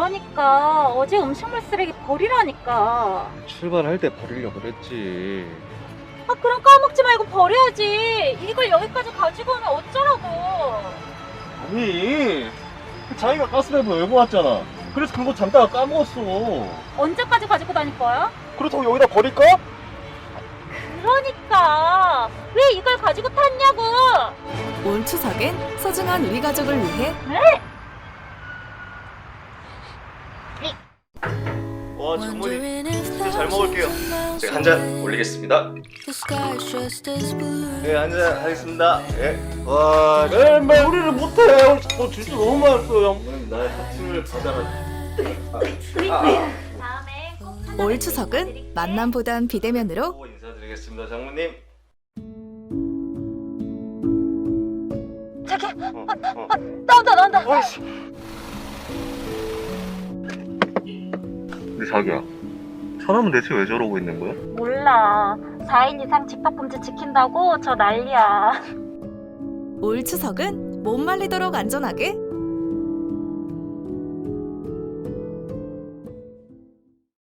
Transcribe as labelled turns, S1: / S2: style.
S1: 그러니까 어제 음식물 쓰레기 버리라니까.
S2: 출발할 때 버리려고 그랬지.
S1: 아, 그럼 까먹지 말고 버려야지. 이걸 여기까지 가지고 오면 어쩌라고.
S2: 아니, 자기가 가스레인지 외고 왔잖아. 그래서 그거 잠깐 까먹었어.
S1: 언제까지 가지고 다닐 거야?
S2: 그렇다고 여기다 버릴까?
S1: 그러니까 왜 이걸 가지고 탔냐고.
S3: 올 추석엔 소중한 우리 가족을 위해
S2: 와, 장모님. 진짜 잘 먹을게요. 제가 한 잔 올리겠습니다. 네, 한 잔 하겠습니다. 예. 와, 맨날 요리를 못해. 진짜 너무 맛있어요. 나의 사칭을 받아라.
S1: 다음에 꼭
S3: 올 추석은 만남보단 비대면으로
S2: 또 인사드리겠습니다, 장모님.
S1: 저기
S2: 어.
S1: 나온다.
S2: 어이씨. 근데 자기야, 사람은 대체 왜 저러고 있는 거야?
S1: 몰라. 4인 이상 집합금지 지킨다고 저 난리야.
S3: 올 추석은 못 말리도록 안전하게